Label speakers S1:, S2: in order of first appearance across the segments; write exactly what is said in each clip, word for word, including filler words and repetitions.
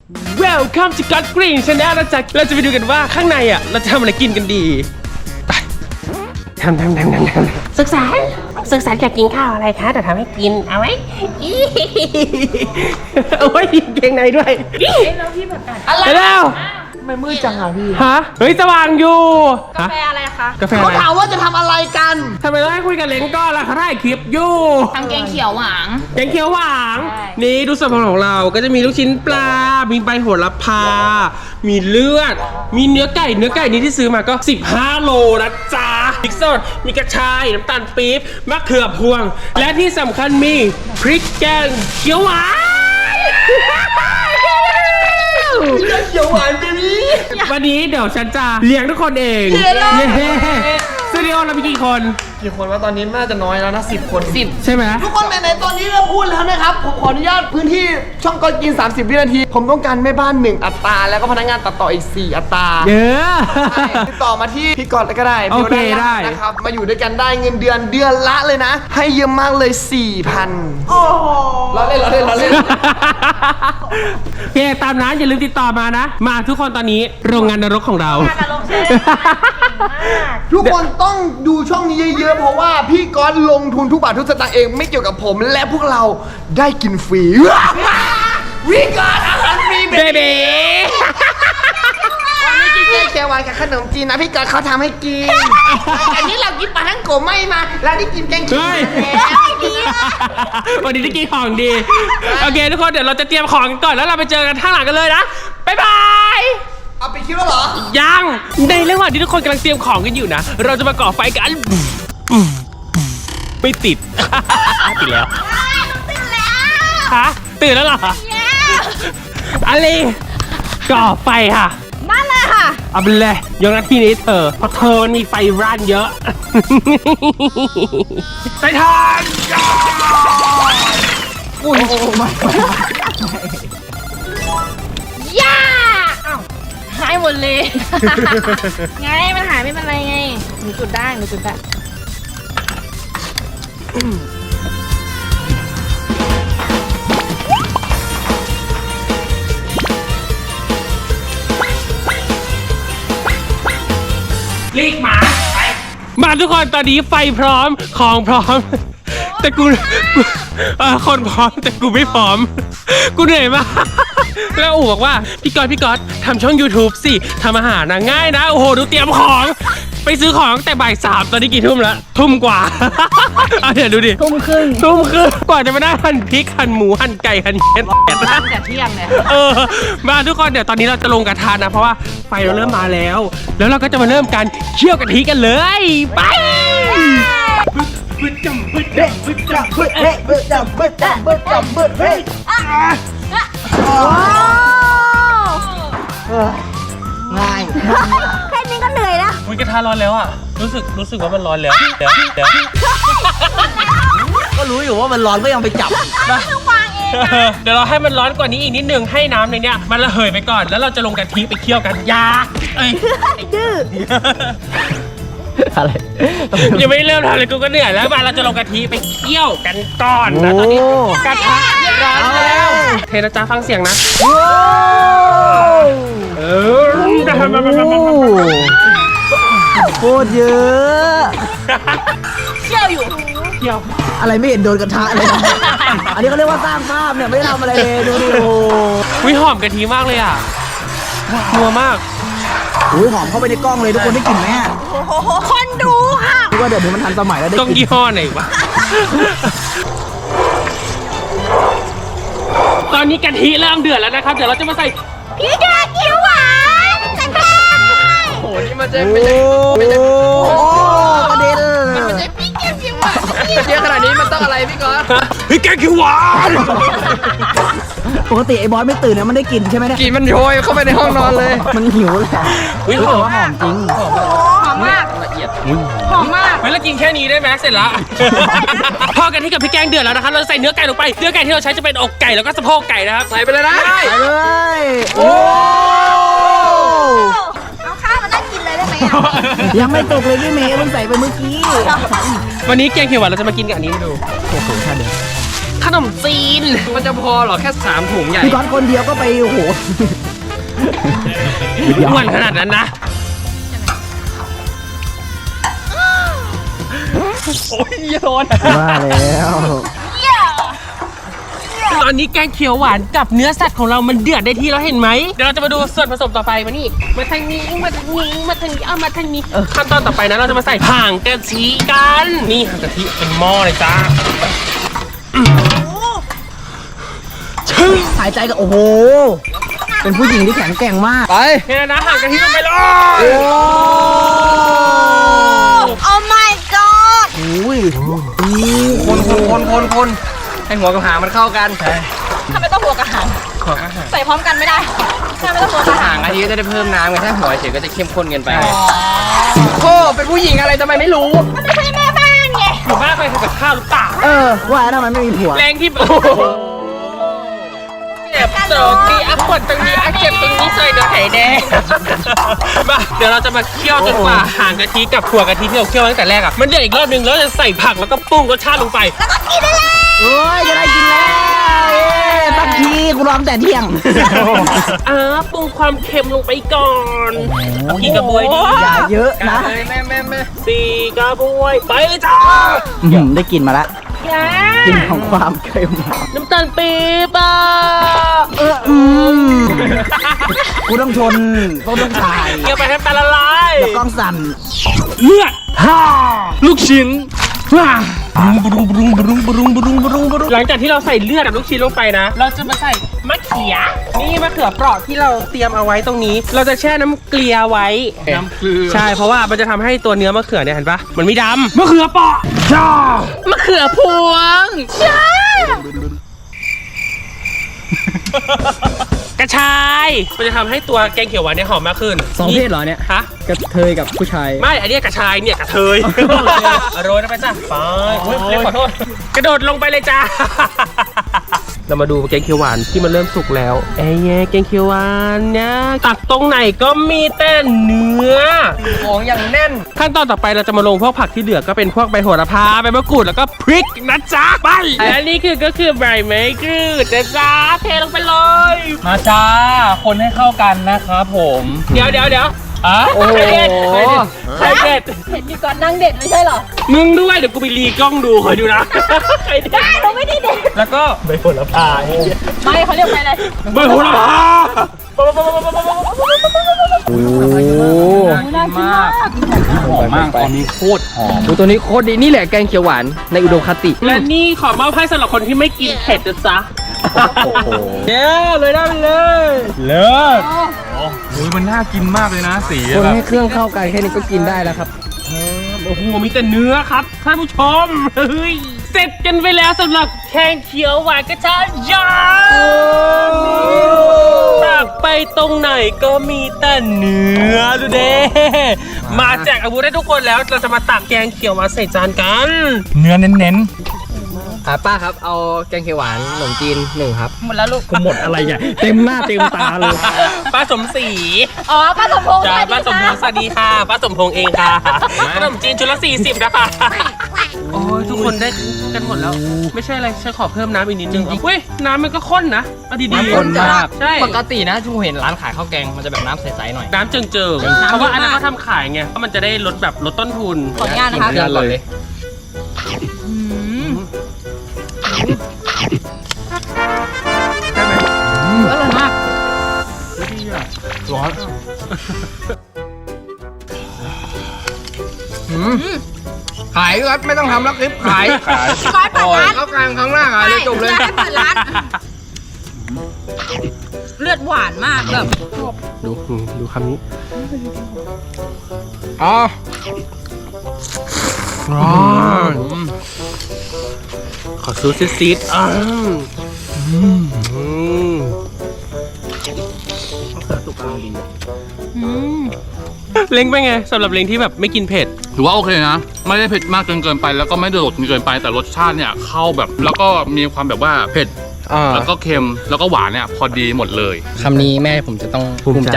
S1: Welcome to God Green Channel นะจ๊ะเราจะไปดูกันว่าข้างในอ่ะเราจะทำอะไรกินกันดีไปทำทำทำทำทำศึกษาศึกษาอยากกินข้าวอะไรคะเดี๋ยวทำให้กินเอาไว้เอาไว้เกงในด้วยแล้วพี่ประกาศอะไรแล้ว
S2: ไม่มืดจังอ่ะพี่
S1: ฮะเฮ้ยสว่างอยู่
S3: กาแฟอะไรคะ
S1: กาแฟอะไร
S2: เขาถามว่าจะทำอะไรกัน
S1: ทำไมต้องให้คุยกันเล้งก้อนล่ะเขาถ่ายคลิปอยู่
S3: ทำแกงเขียวหวาน
S1: แกงเขียวหวานนี่ดูส่วนผสมของเราก็จะมีลูกชิ้นปลามีใบโหระพามีเลือดมีเนื้อไก่เนื้อไก่นี้ที่ซื้อมาก็สิบห้าโลนะจ๊ะพริกสดมีกระชายน้ำตาลปี๊บมะเขือพวงและที่สำคัญมีพริกแกงเขียวหวาน
S2: เขียวหวานไปนี้
S1: วันนี้เดี๋ยวฉันจะเลี้ยงทุกคนเองเย้สตูดิโอเรามีกี่คน
S2: กี่คนว่าตอนนี้น่าจะน้อยแล้วนะสิบคน
S1: สิบใช่ไหม
S2: ทุกคนในตอนนี้เราพูดแล้วนะครับผมขออนุญาตพื้นที่ช่องก่อนกินสามสิบวินาทีผมต้องการแม่บ้านหนึ่งอัตราแล้วก็พนักงานตัดต่ออีกสี่อัตรา
S1: เยอะ
S2: ติดต่อมาที่พี่กอดก็ได้
S1: โอเคได้
S2: นะครับมาอยู่ด้วยกันได้เงินเดือนเดือนละเลยนะให้เยอะมากเลย สี่พัน โอ้โหเราเล่นเราเล่นเราเล่น
S1: โอเคตามนั้นอย่าลืมติดต่อมานะมาทุกคนตอนนี้โรงงานนรกของเรา
S2: ทุกคนต้องดูช่องนี้เยอะๆเพราะว่าพี่ก๊อตลงทุนทุกบาททุกสตางค์เองไม่เกี่ยวกับผมและพวกเราได้กินฟรีวิกอดอาหารฟรีเบบีวันนี้กินแกงเขียวหวานกับขนมจีนนะพี่ก๊อตเขาทำให้กินอันนี้เรากินปลาทั้งโกไม่มาแล้วได้กินแกงเขียว
S1: วันนี้ได้กินของดีโอเคทุกคนเดี๋ยวเราจะเตรียมของกันก่อนแล้วเราไปเจอกันข้างหลังกันเลยนะบ๊ายบาย
S2: เอาไปคิดแล้วเหรอ
S1: ยังในระหว่างที่ทุกคนกำลังเตรียมของกันอยู่นะเราจะมาก่อไฟกันไม่ติดติดแล้วตื่นแล้วฮะตื่นแล้วเหรออะไรก่อไฟค่ะ
S3: มาเลยค่ะ
S1: เอาไปเลยยกหน้าที่นี้เธอเพราะเธอมีไฟร้านเยอะไปทาน
S2: โอ้โหมา
S3: ย่าหายหมดเลยไงมันหายไม่เป็นไรไงหนูจุดได้หนูจุดได้
S1: ลีกหมาไปมาทุกคนตอนนี้ไฟพร้อมของพร้อมแต่กูคนพร้อมแต่กูไม่พร้อมกูเหนื่อยมากแล้วอู๋บอกว่าพี่ก๊อตพี่ก๊อตทำช่อง YouTube สิทำอาหารนะง่ายนะโอ้โหดูเตรียมของไปซื้อของแต่บ่ายสามตอนนี้กี่ทุ่มแล้วทุ่มกว่าเอาเดี๋ยวดูดิ
S3: ทุ่มครึ่ง
S1: ทุ่มครึ่งกว่าจะมาได้หั่นพริกหั่นหมูหั่นไก่หั่นเห็ด
S3: ตั้งแต่เที่ยงเลย
S1: เออมาทุกคนเดี๋ยวตอนนี้เราจะลงกระทะนะเพราะว่าไฟเราเริ่มมาแล้วแล้วเราก็จะมาเริ่มการเคี่ยวกะทิกันเลยไปบึ้ดจำบึ้ดจำบึ้ดจำบึ้ดเฮ้บึ้ดจำบึ้ดจำบึ้ดจำบึ้ดเฮ้
S2: ง่าย
S3: แค่นี้ก็เหนื่อยแล้ว
S1: อุ้ยกระทะร้อนแล้วอ่ะรู้สึกรู้สึกว่ามันร้อนแล้วเดี๋ยวเดี๋ยว
S2: ก็รู้อยู่ว่ามันร้อนก็ยังไปจับ
S3: นะวางเอง
S1: เดี๋ยวเราให้มันร้อนกว่านี้อีกนิดนึงให้น้ำในเนี้ยมันระเหยไปก่อนแล้วเราจะลงกะทิไปเคี่ยวกันยาเอ้ย
S3: ดื้อ
S1: อะไรยังไม่เริ่มทำเลยกูก็เหนื่อยแล้วมาเราจะลงกะทิไปเคี่ยวกันก่อนนะตอนนี้กระทะร้อนแล้วเทนะจ๊ะฟังเสียงนะเออ
S2: โคตรเยอะ
S3: เคี่ยวอยู่
S1: เคี่ยว
S2: อะไรไม่เห็นโดนกระทะเลยอันนี้เขาเรียกว่าสร้างภาพเนี่ยไม่ได้ทำอะไรเลยดูดิโอ้
S1: วิหอมกะทิมากเลยอ่ะนัวมาก
S2: อุ้ยหอมเข้าไปในกล้องเลยทุกคนได้กลิ่นไหม
S3: คนดูค่ะ
S2: คิดว่าเดี๋ยวนี้มันทันสมัยแล้วได้
S1: ต้องยี่ห้อไหนวะตอนนี้กะทิเริ่มเดือดแล้วนะครับเดี๋ยวเราจะมาใส่
S3: พริกแกงเขียวหวานจังเลย
S2: โอ้นี่มันจะไม่ใช่ไม่ใช่โอ้ประเด็น
S3: มันไม่ใช่พริกแกงเขียวหวาน
S2: เยอะขนาดนี้มันต้องอะไรพี่ก๊อต
S1: พริกแกงเขียวหวาน
S2: ปกติไอ้บอสไม่ตื่นนะมันได้กลิ่นใช่ไหมเนี่ยกลิ่นมันโชยเข้าไปในห้องนอนเลยมันหิวแหละ
S1: อุ้ยหอม
S2: หอมจริง
S3: หอมมากละเอียดหอมมาก
S1: ไม่ละกินแค่นี้ได้ไหมเสร็จละพอกันที่กับพริกแกงเดือดแล้วนะครับเราใส่เนื้อไก่ลงไปเนื้อไก่ที่เราใช้จะเป็นอกไก่แล้วก็สะโพกไก่นะครับ
S2: ใส่ไปเลยนะใส่เลยโอ้
S3: เอาข้าวมานั่งกินเลยได้ไหม
S2: ยังไม่ตกเลยพี่เมย์เพิ่งใส่ไปเมื่อกี้
S1: วันนี้แกงเขียวหวานเราจะมากินกับอันนี้ดู
S2: โอ้โหท่าเดิม
S1: ขขนมจีนมันจะพอเหรอแค่สามถุงใหญ่
S4: พี่ก้อนคนเดียวก็ไปโอ้โห
S1: อ้วนขนาดนั้นนะโอ้ยร้อน
S4: ว่าแล้ว
S1: ตอนนี้แกงเขียวหวานกับเนื้อสัตว์ของเรามันเดือดได้ที่แล้วเห็นไหมเดี๋ยวเราจะมาดูส่วนผสมต่อไปมานี่มาทางนี้มาทางนี้มาทางนี้เอามาทางนี้ขั้นตอนต่อไปนะเราจะมาใส่ห่างกะทิกันนี่ห่างกะทิเป็นหม้อเลยจ้า
S4: หายใจก็โอ้โห เป็นผู้หญิงที่แข็งแกร่งมาก
S2: ไป
S1: เนี่ยนะห่างกะทิลงไปเลย
S4: โอ้
S3: โอ้ my god
S4: โห
S2: คนคนคนคนคนให้หัวกับหางมันเข้ากันใช่
S3: ทำไมต้องหัวกระหัง
S2: หัวกับหาง
S3: ใส่พร้อมกันไม่ได้ทำไมต้องหัวกระหั
S2: หาง งอันนี้ก็จะได้เพิ่มน้ำไงถ้าหัวเฉยก็จะเข้มข้นเกินไปโอ้เป็นผู้หญิงอะไรทำไมไม่รู้
S3: ไม่ใช่แม่บ้านไง
S1: อยู่บ้านไปทำกับข้าวหรือเปล่า
S4: เออ ว่าแล้วทำไมไม่มีผัว
S1: แรงที่เจ็บตรงนี้อ่ะปวดตรงนี้อ่ะเจ็บตรงนี้ใส่เนื้อไข่แดงมาเดี๋ยวเราจะมาเคี่ยวจนกว่าห่างกะทิกับถั่วกะทิที่เราเคี่ยวตั้งแต่แรกอ่ะมันเดือดอีกรอบนึงแล้วจะใส่ผักแล้วก็ปรุงรสชาติลงไป
S4: เอ้ย จะได้กินแล้วเอ้ยสักทีกูรอมแต่เที่ยง
S1: อ่าปรุงความเค็มลงไปก่อนเอากี่กระบวยดี
S4: อย่าเยอะนะ
S2: แม่แม่แม่
S1: สี่กระบวยไปเลยจ้า
S4: อืมได้กินมาละ
S3: อย่า
S4: กินของความเค็ม
S1: น้ำตาลปี๊บอ่ะ
S4: เอออืมกูต้องชนต้นต้องถ่าย
S1: เคี่ยวไปให้น้ำตาลละลาย
S4: แล้วกล้องสั่น
S1: เลือดฮ่าลูกชิ้นว้าบรุงบรุงบรุงบรุงบรุงบรุงบรุงหลังจากที่เราใส่เลือดกับลูกชิ้นลงไปนะ เราจะมาใส่มะเขือนี่มะเขือเปราะที่เราเตรียมเอาไว้ตรงนี้ เราจะแช่น้ำเกลือไว้น้ำเกลือใช่เพราะว่ามันจะทำให้ตัวเนื้อมะเขือเนี่ยเห็นปะมันไม่ดำมะเขือเปราะจ้ามะเขือพวงจ้ากระชายมันจะทำให้ตัวแกงเขียวหวานเนี่ยหอมมากขึ้น
S4: สองเพศเหรอเนี่ย
S1: ฮะ
S4: กระเทยกับผู้ชาย
S1: ไม่ อันเนี้ยกระชายเนี่ยกระเทยโรยลงไปจ้ะไปโอ้ยเรียกขอโทษ กระโดดลงไปเลยจ้า เรามาดูแกงเขียวหวานที่มันเริ่มสุกแล้วไอ้แย่แกงเขียวหวานเนี่ยตักตรงไหนก็มีแต่เนื้อ
S2: ของอย่างแน่น
S1: ขั้นตอนต่อไปเราจะมาลงพวกผักที่เหลือก็เป็นพวกใบโหระพาใบมะกรูดแล้วก็พริกนะจ๊ะไปและนี่คือก็คือใบมะกรูดนะจ๊ะเทลงไปเลย
S5: มาจ้า คนให้เข้ากันนะครับผม
S1: เดี๋ยวเดี๋ยวเดี๋ยว
S5: อ่ะ
S1: โอ้โหใครเด็ด
S3: เห็นพี่ก่อนนั่งเด็ดไม่ใช่เหรอ
S1: มึงด้วยเดี๋ยวกูไปรีกล้องดูคอยดูนะใครเด็ด
S3: ได้เราไม่ได้เด็ด
S1: แล้วก็ใบโหระพา
S3: ไม่เขาเรียกไปเลย
S1: ใบโหระพา
S4: โอ้
S3: น่ากินมาก
S5: หอมมากตอนนี้โคตรหอม
S2: ดูตัวนี้โคตรดีนี่แหละแกงเขียวหวานในอุดมคติ
S1: และนี่ขอมอบให้สำหรับคนที่ไม่กินเผ็ดนะจ๊ะ
S4: โห
S1: เย้เลยได้ไปเลย
S5: เลิศโอ้ยมันน่ากินมากเลยนะสี
S4: คน
S5: แบบ
S4: ให้เครื่องเข้ากันแค่นี้ก็กินได้แล้วครับ
S1: โอ้โหมีแต่เนื้อครับท่านผู้ชมเฮ้ยเสร็จกันไปแล้วสำหรับแกงเขียวหวานกระชายยางตักไปตรงไหนก็มีแต่เนื้อดูเด้มาแจกอาวุธให้ทุกคนแล้วเราจะมาตักแกงเขียวหวานใส่จานกัน
S5: เนื้อเน้น
S2: อ่าป้าครับเอาแกงเขียวหวานขนมจีนหนึ่งครับ
S3: หมดแล้วลูก
S4: กูหมดอะไรเนี่ยเต็มหน้าเต็มตาเลย
S1: ป้าสมศรี
S3: อ๋อป้าสมพงษ์
S1: จ้า
S3: สวัสดี
S1: ป้าสมพงษ์สวัสดีค่ะป้าสมพงษ์เองค่ะขนมจีนชุดละสี่สิบนะคะโอ้ยทุกคนได้กันหมดแล้ว ไม่ใช่อะไรฉันขอเพิ่มน้ำอีกนิดนึงเฮ้ยน้ำมันก็ข้นนะเอาดีๆ
S2: น้ำข้นมาก
S1: ใช่
S2: ปกตินะที่ผมเห็นร้านขายข้าวแกงมันจะแบบน้ำใสๆหน่อย
S1: น้ำเจิงเจิงเพราะว่าอันนั้นเขาทำขายไงเพราะมันจะได้ลดแบบลดต้นทุน
S3: ขออนุญาตนะคะ
S2: กินก่อนเลย
S3: อร่อยมาก
S5: ร้อน
S2: ขายครับไม่ต้องทำแล้วคลิปขาย
S5: ขาย
S3: พี่ก้อยเปิดร้าน
S2: ข้าวแกงครั้งหน้าขายเลยจบเลย
S3: ให้เปิดร้าน เลือดหวานมากแบบ
S1: ดูดูคำนี้
S2: อ๋อ
S1: ร้อนขอซูซิซิดอ่าอืมเล้งเป็นไงสำหรับเล้งที่แบบไม่กินเผ็ด
S5: ถือว่าโอเคนะ ไม่ได้เผ็ดมากจนเกินไป แล้วก็ไม่ได้โดดจนเกินไปแต่รสชาติเนี่ยเข้าแบบแล้วก็มีความแบบว่าเผ็ด
S2: อ่า
S5: แล้วก็เค็มแล้วก็หวานเนี่ยพอดีหมดเลย
S2: คำนี้แม่ผมจะต้องภูมิใจ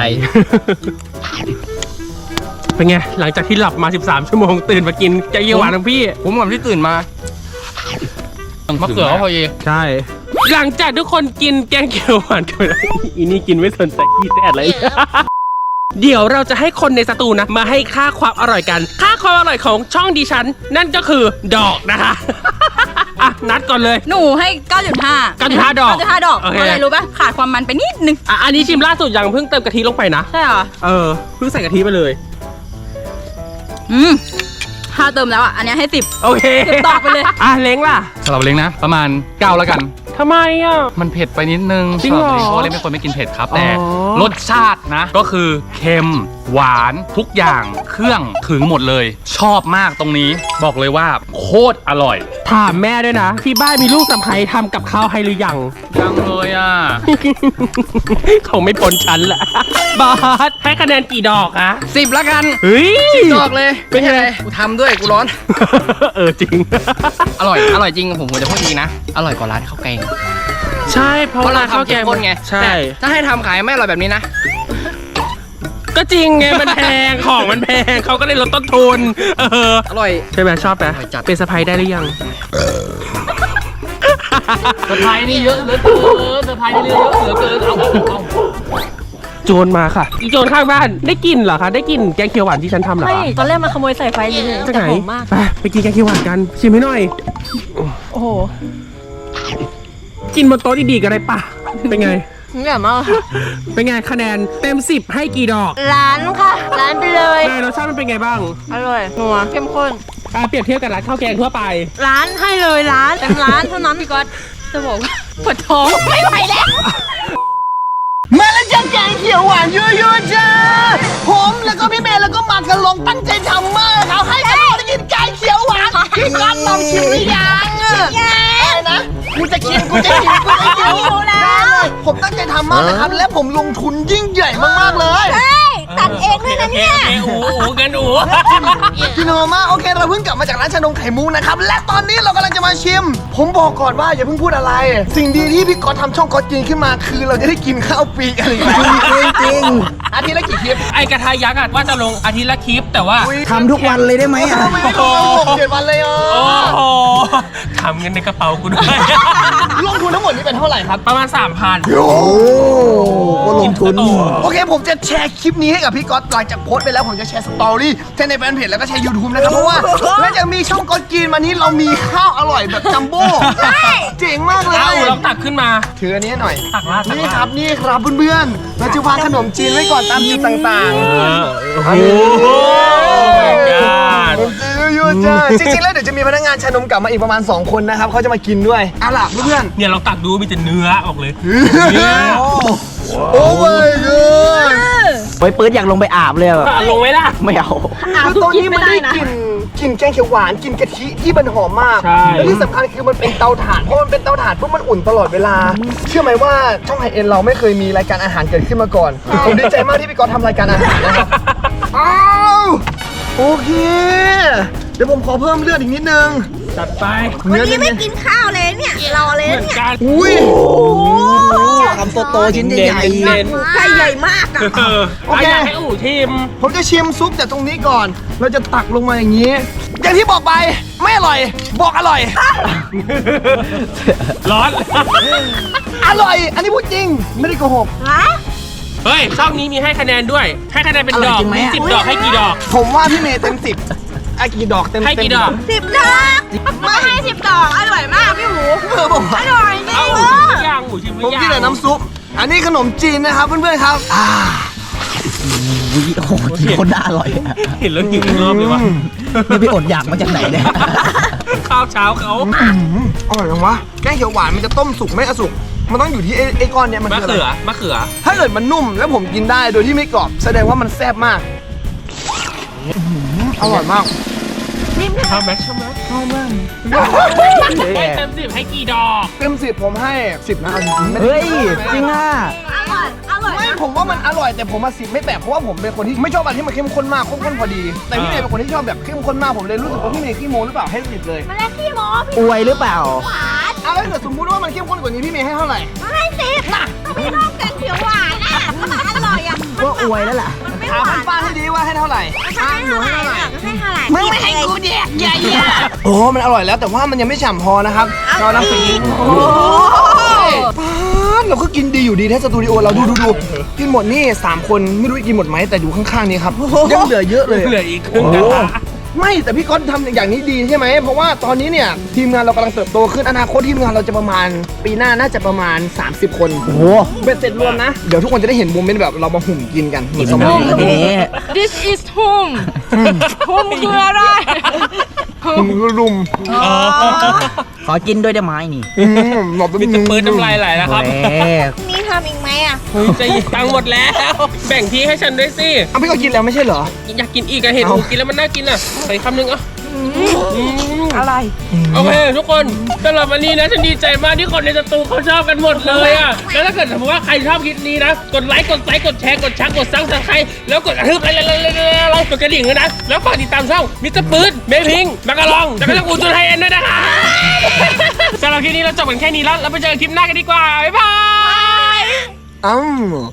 S1: เป็นไง หลังจากที่หลับมา สิบสาม ชั่วโมงตื่นมากินแกงเขียวหวานของพี่
S2: ผมก่อนที่ตื่นมา
S5: มะเขือก็พอดี
S1: ใช่ หลังจากทุกคนกินแกงเขียวหวานกันไปแล้วอีนี่กินไม่สนใจอีแต่อะไร เดี๋ยวเราจะให้คนในสตูนะมาให้ค่าความอร่อยกัน ค่าความอร่อยของช่องดิฉัน นั่นก็คือดอกนะคะ อ่ะนัดก่อนเลย
S3: หนูให้ เก้าจุดห้า
S1: เก้าจุดห้า ดอก
S3: เก้าจุดห้า ดอก
S1: โอเค
S3: เพราะอะไรรู้ป่ะขาดความมันไปนิดนึง
S1: อ่ะอันนี้ชิมล่าสุดยังเพิ่งเติมกะทิลงไปนะ
S3: ใช่เหรอ
S1: เออเพิ่งใส่กะทิไปเลย
S3: อืมถ้าเติมแล้วอ่ะอันเนี้ยให้สิบ
S1: โอเค
S3: สิบดอกไปเลย
S1: อ่ะเล้งล่ะ
S5: สำหรับเล้งนะ ประมาณเก้าแล้วกัน
S1: ทำไมอ่ะ
S5: มันเผ็ดไปนิดนึง
S1: จริงเหรอ
S5: สำบเล้งเพราะว่าเล้งเป็นคนไม่กินเผ็ดครับ แต่
S1: อ๋อ
S5: รสชาตินะ ก็คือเค็มหวานทุกอย่างเครื่องถึงหมดเลย ชอบมากตรงนี้ บอกเลยว่าโคตรอร่อย
S1: ถามแม่ด้วยนะ ที่บ้านมีลูกสะใภ้ทำกับข้าวให้หรือยัง
S5: ยังเลยอ่ะ
S1: เขาไม่พ้นชั้นละ บาสให้คะแนนกี่ดอกอะ
S4: สิบละกัน
S1: เฮ้ย
S4: ดอกเลย
S1: เป็นไง
S4: กูทำด้วยกูร้อน
S1: เออจริง
S4: อร่อย อร่อยจริงผมผมจะพูดจริงนะ อร่อยกว่าร้านข้าวแกง
S1: ใช่เพราะ
S4: เพราะ
S1: ว่า
S4: เรา
S1: ข้าว
S4: ทำ
S1: แก
S4: เข้
S1: ง
S4: มข้นไง
S1: ใช่
S4: แต่ถ้าให้ทำขายไม่อร่อยแบบนี้นะ
S1: ก็จริงไงมันแพง ของมันแพงเขาก็เลยลดต้นทุน เออ
S4: อร่อย
S1: ใช่ไหมชอบไหม
S4: อร่อยจัด
S1: เป็นสะใภ้ได้หรือยัง
S5: เซอร์ไพรส์นี่เยอะเหลือเกินเซอร์ไพรส์นี่เยอะเหลือเกินเอาเอา
S1: โจรมาค่ะ อีโจรข้างบ้านได้กลินเหรอคะ ได้กลินแกงเขียวหวานที่ฉันทำเหรอ
S3: ไม่
S1: คะ
S3: ตอนแรกมาขโมยใส่ไฟเลย
S1: จาก
S3: แต่
S1: ไหน
S3: หอมมาก
S1: ไปไปกินแกงเขียวหวานกัน ชิมให้หน่อย
S3: โอ้โห
S1: กินบนโต๊ะดีๆกันได้ปะเป็นไง
S3: เหนื่อยมากค่ะ
S1: เป็นไงคะแนนเต็มสิบให้กี่ดอก
S3: ร้านค่ะ ร้านไปเลย
S1: เนยรสชาติมันเป็นไงบ้าง
S3: อร่อยนัวเข้มข้น
S1: อ่ะเปรียบเทียบกับร้านข้าวแกงทั่วไป
S3: ร้านให้เลยร้านเต็มร้านเท่านั้นพี่ก๊อตจะบอกว่าปวดท้องไม่ไหวแล้ว
S2: มาแล้วจ้าแกงเขียวหวานเยอะๆจ้าผมแล้วก็พี่เมย์แล้วก็มากันลงตั้งใจทำมากครับให้กันลองได้กินแกงเขียวหวานพี่ก๊อตลองชิมหรือยังอะไรนะกูจะกินกูจะกินกูจะกิน
S3: หิวแล้ว
S2: ผมตั้งใจทำมากนะครับและผมลงทุนยิ่งใหญ่มากๆเลย
S3: ตัดเองด้วยนะเนี่ย
S1: โอ้โหโอ้โหกันโอ้
S2: กินโนมาโอเคเราเพิ่งกลับมาจากร้านชานมไข่มุกนะครับและตอนนี้เรากำลังจะมาชิม ผมบอกก่อนว่าอย่าเพิ่งพูดอะไร สิ่งดีที่พี่ก๊อตทำช่องก๊อตกินขึ้นมาคือเราจะได้กินข้าวฟรีอะไรอย่างเงี้ย
S4: จริง
S2: อาทิตย์ละกี่คลิป
S1: ไอกระทะยักษ์อะว่าจะลงอาทิตย์ละคลิปแต่ว่า
S4: ๆทำทุกวันเลยได้ไหมอ่ะ
S2: ทำไมไม่ลงหกเจ็ดวันเลยอ่ะ
S1: โอ้โหทำเงินในกระเป๋ากูด้วย
S2: ลงทุนทั้งหมดนี้เป็นเท่าไหร่ครับ
S1: ประมาณ สามพัน
S4: โอ้ก็ลงทุน
S2: โอเค ผมจะแชร์คลิปนี้ให้กับพี่ก๊อตหลังจากโพสต์ไปแล้วผมจะแชร์สตอรี่แชร์ในแฟนเพจแล้วก็แชร์ YouTube นะครับเพราะว่าหลังจากมีช่องก๊อตกินมานี้เรามีข้าวอร่อยแบบจัมโบ้เจ๋งมากเลย
S1: เอ้าลองตักขึ้นมา
S2: ถืออันนี้หน่อย
S1: ตักลาดตัก
S2: นี่
S1: ลาด
S2: ครับนี่ครับเพื่อนๆเราจะวางขนมจีนไว้ก่อนตามจุดต่าง
S1: เอ
S2: ๆ
S1: อโอ้โห my god
S2: ขนมจีนเยอะๆจ้าจริงๆแล้วเดี๋ยวจะมีพนักงานชานมกลับมาอีกประมาณสองคนนะครับเขาจะมากินด้วยเอาล่ะเพื่อน
S1: เนี่ยเราตักดูมีแต่เนื้อออกเลย
S2: ๆโอ้ my god
S4: ไปปื๊ดอยากลงไปอาบเลยอะแบบ
S1: ตักลงไหมล่ะ
S4: ไม่เอา
S2: คือตอนนี้มันได้กลิ่นกลิ่นแกงเขียวหวานกลิ่นกะทิที่มันหอมมาก
S1: ใช่
S2: และที่สำคัญคือมันเป็นเตาถ่านเพราะมันเป็นเตาถ่านปุ๊บมันอุ่นตลอดเวลา เชื่อไหมว่าช่องไฮเอ็นเราไม่เคยมีรายการอาหารเกิดขึ้นมาก่อนผมดีใจมากที่พี่ก๊อตทำรายการอาหารนะครับอ้าวโอเค เดี๋ยวผมขอเพิ่มเลือดอีกนิดนึง
S1: จัดไป
S2: เนื้อ
S3: นี่
S2: เน้
S3: ไม่
S2: น
S3: กินข้าวเลยเนี่ยรอเลย
S1: เหมือน
S3: เนี่ย
S1: กัน
S2: ๆอุ้ย
S4: คำโตๆชิ้นใหญ่
S1: เน้น
S3: ไก่ใหญ่มากอะ
S1: เออเอาอยากให้อู๋ชิม
S2: ผมจะชิมซุปจากตรงนี้ก่อน เราจะตักลงมาอย่างนี้ อย่างที่บอกไปไม่อร่อย บอกอร่อย
S1: ร้อน
S2: อร่อย อันนี้พูดจริง ไม่ได้โกหก
S3: ฮะ
S1: เฮ้ยช่องนี้มีให้คะแนนด้วย ให้คะแนนเป็นดอกมีสิบดอกให้กี่ดอก
S2: ผมว่าพี่เมย์เต็มสิบไอ้กี่ดอกเต็ม
S1: ให้กี่ดอก
S3: สิบดอกไม่ให้สิบดอกอร่อยมากพี่หมู
S2: เออผมว่า
S3: อร่อยจริ
S1: เอา
S3: ง
S1: อู๋
S3: เอ
S1: ชิมห
S3: อ
S1: รือยังอู๋ชิมห
S2: ผ
S1: รื
S2: ม
S1: อยัง
S2: กินแต่น้ำซุป อันนี้ขนมจีนนะครับเพื่อนๆครับอ่า
S4: ๆวิโอ้โหกินคนน่าอร่อยอะ
S1: เห็นแล้วหิวอีกรอบเลยวะ
S4: ไม่ไปอดอยากมาจากไหนเนี่ย
S1: ข้าวเช้าเขา
S2: อร่อยจังวะ แกงเขียวหวานมันจะต้มสุกไม่อสุก มันต้องอยู่ที่ไอ้ไอ้ก้อนเนี้ยมัน
S1: มะ
S2: คืออะไร
S1: เขือมะเขือ
S2: ถ้าเกิดมันนุ่มแล้วผมกินได้โดยที่ไม่กรอบ แสดงว่ามันแซ่บมากอร่อยมาก
S1: ชอบไหมชอบไหมให้เต็มสิบให้กี่ดอก
S2: เต็มสิบผมให้สิบนะเอาจริงๆไม่ได้
S4: เฮ้ย จริงอ่ะ
S3: อร่อยอร่อย
S2: ไม่ผมว่ามันอร่อยแต่ผมมาสิบไม่แปลกเพราะว่าผมเป็นคนที่ไม่ชอบอะไรที่มันเข้มข้นมากข้นๆพอดี แต่พี่เมย์เป็นคนที่ชอบแบบเข้มข้นมากผมเลยรู้สึกว่าพี่เมย์ขี้โม้หรือเปล่าให้สิบเลย
S3: มันแรกขี้โม้พี่
S4: อวยหรือเปล่า
S3: หวาน
S2: เอาแล้วถ้าเกิดสมมติว่ามันเข้มข้นกว่านี้พี่เมย์ให้เท่าไหร่
S3: ไม่สิก็ไม่ชอบแกงเขียวหวานอ่ะก็มันอร่อยอ่ะ
S4: ก็อวยแล้วล่ะ
S3: มันไม่
S2: ถามป้าให้ดีว่าให้เท่าไหร่อ่ะหนูให้เท่าไหร่
S3: ให้เท่าไหร่
S2: มึงไม่ให้กูแดกใหญ่อะโอ้มันอร่อยแล้วแต่ว่ามันยังไม่ฉ่ำพอนะครับเราน้ำสีป้าดเราก็กินดีอยู่ดีแท้สตูดิโอเราดูดูดูกินหมดนี่สามคนไม่รู้กินหมดไหมแต่ดูข้างๆนี้ครับยังเหลือเยอะเลย
S1: เหลืออีกครึ่งกระทะ
S2: ไม่แต่พี่ก๊อตทำอย่างนี้ดีใช่ไหมเพราะว่าตอนนี้เนี่ยทีมงานเรากำลังเติบโตขึ้นอนาคตทีมงานเราจะประมาณปีหน้าน่าจะประมาณ สามสิบ คนโอ้โหเป็นเสร็จรวมนะเดี๋ยวทุกคนจะได้เห็นโมเมนต์แบบเรามาหุ่มกินกันเหมือนสมัย
S4: ทีนี้
S3: This is home home คืออะไร
S2: หุ่มรุม
S4: ขอกินด้วยได้ไหมนี่
S2: อืมหลบ
S1: มีแต่ปืนน้ำลายไหลแล้วครับ
S4: เฮ้ย
S3: มีทำอีกไหมอ่ะ
S1: เฮ้ยจะหยิบตังค์หมดแล้ว แบ่งที่ให้ฉันด้วยสิ
S2: เอาพี่ก็กินแล้วไม่ใช่เหรอ
S1: อยากกินอีกอะเห็นหมูกินแล้วมันน่ากินอะใส่คำหนึ่งอะ
S3: อะไร
S1: โอเคทุกคนสำหรับวันนี้นะฉันดีใจมากที่คนในสตูเขาชอบกันหมดเลยอะแล้วถ้าเกิดสมมติว่าใครชอบคลิปนี้นะกดไลค์กดไลค์กดแชร์กดชักกดซังสังใครแล้วกดกระทืบอะไรอะไรอะไรกดกระดิ่งด้วยนะแล้วฝากติดตามช่องมิสเตอร์ปืนเมพิงมักกะลองแล้วก็ช่องอูจุนไฮเอ็นด้วยนะคะสำหรับคลิปนี้เราจบกันแค่นี้แล้วเราไปเจอกันคลิปหน้ากันดีกว่าบ๊ายบาย
S2: อ้าว